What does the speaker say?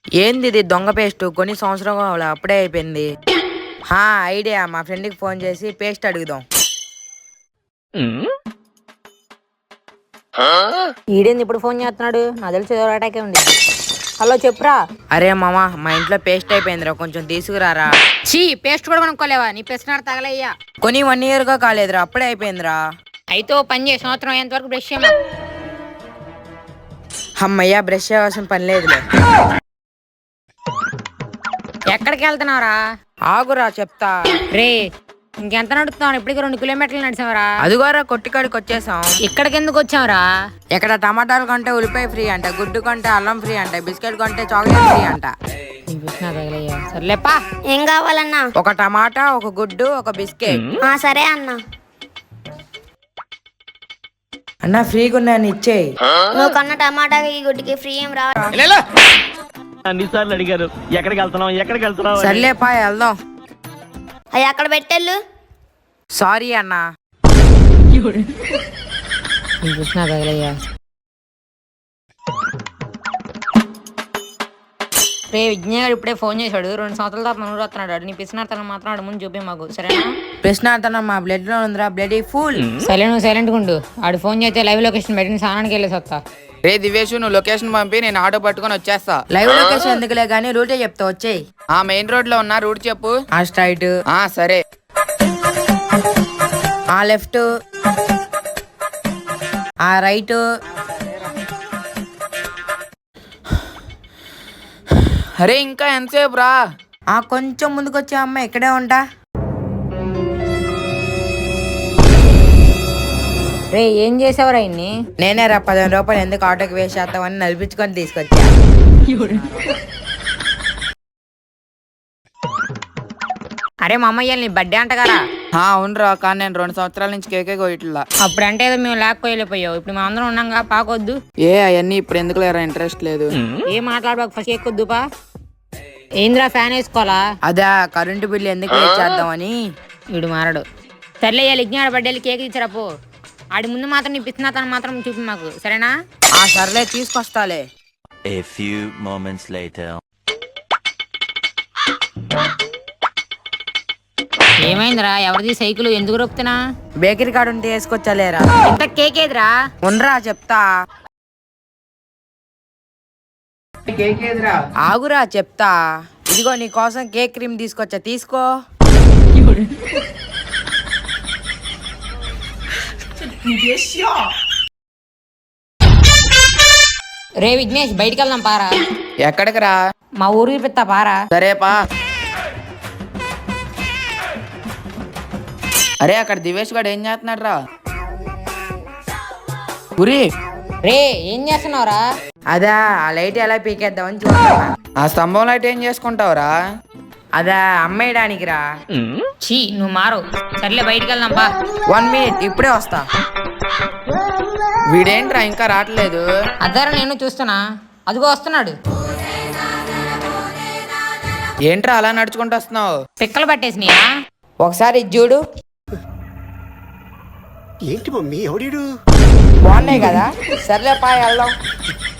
ఏంది ఇది దొంగ పేస్ట్ కొన్ని సంవత్సరం అప్పుడే అయిపోయింది. ఐడియా, మా ఫ్రెండ్కి ఫోన్ చేసి పేస్ట్ అడుగుదాం. ఈడేంది ఇప్పుడు ఫోన్ చేస్తున్నాడు? నా తెలిసి ఏదో అటాకే ఉంది. హలో చెప్పురా. అరే మామా, మా ఇంట్లో పేస్ట్ అయిపోయిందిరా, కొంచెం తీసుకురారా. చీ, పేస్ట్ కూడా కొనుక్కోలేవా? నీ పెసనాడు తగలయ్యా. కొని 1 year గా కాలేదురా, అప్పుడే అయిపోయిందిరా. అయితే ఓ పని చేసి సంవత్సరం అయ్యేంత వరకు బ్రష్ చేయమా. అమ్మయ్యా, బ్రష్ చేయవలసిన పని లేదులే. ఎక్కడికి వెళ్తున్నావురా? ఆగురా చెప్తా. రే, ఇంకెంత నడుస్తున్నావు? ఇప్పటికి 2 kilometers నడిచావరా? అదిగోరా కొట్టికాడికి వచ్చేసాం. ఇక్కడికి ఎందుకు వచ్చావురా? ఇక్కడ టమాటాలు కొంటే ఉల్లిపాయ ఫ్రీ అంట, గుడ్డు కొంటే అల్లం ఫ్రీ అంట, బిస్కెట్ కొంటే చాక్లెట్ ఫ్రీ అంట. సర్లేపా. ఏం కావాలన్నా? ఒక టమాటా, ఒక గుడ్డు, ఒక బిస్కెట్. సరే అన్నా. అన్న ఫ్రీగా ఉన్నాయని ఇచ్చేయి. నువ్వు కన్న టమాటాకి ఈ గుడ్డికి ఫ్రీ ఏం రా. అన్నిసార్లు అడిగారు ఎక్కడికి వెళ్తున్నావు. సర్లేపా, వెళ్దాం. అవి అక్కడ పెట్టెళ్ళు. సారీ అన్నా. రే, విజ్ఞాడు ఇప్పుడే ఫోన్ చేశాడు. 2 సంవత్సరాల తర్వాత మనూరు వస్తున్నాడు. నీ పిసినార్థం మాత్రం ముందు చూపి మాకు, సరేనా? ప్రశ్నార్థనం మా బ్లడ్ లో ఉందిరా, బ్లడ్ ఫుల్. సైలెంట్ గుండు. ఆడు ఫోన్ చేస్తే లైవ్ లొకేషన్ పెట్టిన స్నానానికి వెళ్ళేసి వస్తా. రే దివేష్, నువ్వు లొకేషన్ పంపి, నేను ఆటో పట్టుకొని వచ్చేస్తా. లైవ్ లొకేషన్ ఎందుకులే గానీ రూటే చెప్తా, వచ్చేయి. మెయిన్ రోడ్ లో ఉన్నా, రూట్ చెప్పు. స్ట్రైట్, సరే. Left, right. అరే ఇంకా ఎంతసేపు రా? కొంచెం ముందుకు వచ్చే అమ్మ, ఇక్కడే ఉంటా. రే, ఏం చేసావురా ఇన్ని? నేనే రా, 15 రూపాయలు ఎందుకు ఆటోకి వేస్ట్ చేస్తామని నడిపించుకొని తీసుకొచ్చా. అరే మా అమ్మయ్య, నీ బర్త్డే అంట కదా? అవునరా, కానీ నేను 2 సంవత్సరాల నుంచి కేకే కోయట్లా. అప్పుడంటే ఏదో మేము లేకపోయలేకపోయావు. ఇప్పుడు మేము అందరం ఉన్నాంగా, పాకొద్దు. అవన్నీ ఇప్పుడు ఎందుకు లేరా, ఇంట్రెస్ట్ లేదు. ఏం మాట్లాడబాకు, ఫస్ట్ ఎక్కొద్దుపా. ఏంద్రా, ఫ్యాన్ వేసుకోవాలా? అదా, కరెంటు బిల్లు ఎందుకు వేస్ట్ చేద్దామని. వీడు మారడు. సర్లే, లిగ్నాడు బర్త్డేలు కేక్ ఇచ్చారప్పు. ఆడి ముందు మాత్రం నీ పిచ్చినాతను మాత్రం చూపి మాకు, సరేనా? సర్లే, తీసుకొస్తాలే. A few moments later. ఏమైందిరా? ఎవరిది సైకిల్? ఎందుకు రొప్పుతున్నా? బేకరీ కాడ ఉంటే వేసుకొచ్చాలేరా. ఇంత కేక్ ఏదిరా? ఉండరా చెప్తా. ఆగురా చెప్తా. ఇదిగో నీ కోసం కేక్ క్రీమ్ తీసుకొచ్చా, తీసుకో. రే విఘ్నేష్, బయటికి వెళ్దాం పారా. ఎక్కడికి రా? మా ఊరికి పెత్తా పారా. సరేపా. అరే, అక్కడ దివేష్ గారు ఏం చేస్తున్నాడు రా? ఉరి, రే ఏం చేస్తున్నావురా? అదా, ఆ లైట్ ఎలా పీకేద్దామని చూస్తున్నా. ఆ స్తంభం లైట్ ఏం చేసుకుంటావురా? అదా, అమ్మేయడానికి రా. చీ, నువ్వు మారు. సర్లే, బయటికి వెళ్దాం పా. 1 minute, ఇప్పుడే వస్తా. వీడేంట్రా ఇంకా రావట్లేదు? అద్దరా, నేను చూస్తున్నా. అదిగో వస్తున్నాడు. ఏంట్రా అలా నడుచుకుంటూ వస్తున్నావు? పిక్కలు పట్టేసినాయా? ఒకసారి ఇది చూడు. ఏంటి మమ్మీ, ఎవడీడు? బాగున్నాయి కదా. సర్లే పా, వెళ్దాం.